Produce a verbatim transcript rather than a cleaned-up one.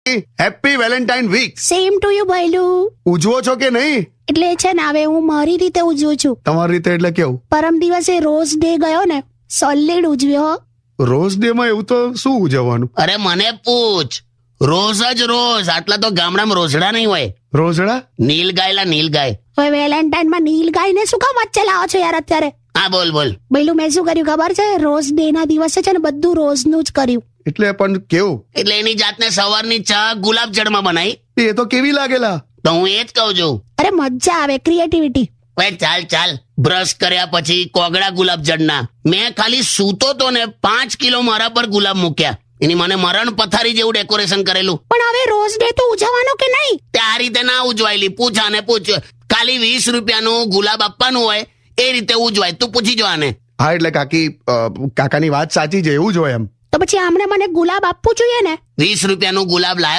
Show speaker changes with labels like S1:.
S1: Happy valentine week.
S2: Same to you ભાઈલું.
S1: ઉજવો છો કે નહીં?
S2: એટલે છે ને હવે હું મારી રીતે ઉજવું છું.
S1: તમારી રીતે એટલે કેવું?
S2: પરમ દિવસે રોઝ ડે ગયો ને, સોલિડ ઉજવ્યો.
S1: રોઝ ડે માં એવું તો શું ઉજવવાનું?
S3: અરે મને પૂછ, રોઝ જ રોઝ. આટલા તો ગામડામાં રોઝડા નહીં હોય.
S1: રોઝડા?
S3: નીલ ગાયલા નીલ ગાય.
S2: હવે વેલેન્ટાઇન માં નીલ ગાયને શું કામ વચ્ચે લાવો છો યાર અત્યારે?
S3: હા બોલ બોલ.
S2: ભાઈલું મેં શું કર્યું ખબર છે? રોઝ ડે ના દિવસે છે ને બધું રોઝ નું જ કર્યું.
S1: એટલે પણ કેવું?
S3: એટલે એની જાતને સવારની ચા ગુલાબ જળમાં બનાવી.
S1: એ તો કેવી લાગેલા?
S3: તો હું એ જ કહું છું.
S2: અરે મજા આવે, ક્રિએટિવિટી.
S3: હવે ચાલ ચાલ, બ્રશ કર્યા પછી કોગળા ગુલાબ જળના મેં ખાલી સૂતો તો ને પાંચ કિલો મારા પર ગુલાબ મૂક્યા. એની મને મરણ પથારી જેવું ડેકોરેશન કરેલું.
S2: પણ હવે રોઝ ડે તો ઉજવવાનો કે નહીં?
S3: તે આ રીતે ના ઉજવાયેલી. પૂછ આને પૂછ. ખાલી વીસ રૂપિયાનું ગુલાબ આપવાનું હોય એ રીતે ઉજવાય. તું પૂછી જો આને.
S1: હા એટલે કાકી, અ, કાકાની વાત સાચી છે, એવું જ હોય એમ.
S2: તો પછી આમણે મને ગુલાબ આપવું જોઈએ ને.
S3: વીસ રૂપિયાનું ગુલાબ લાયો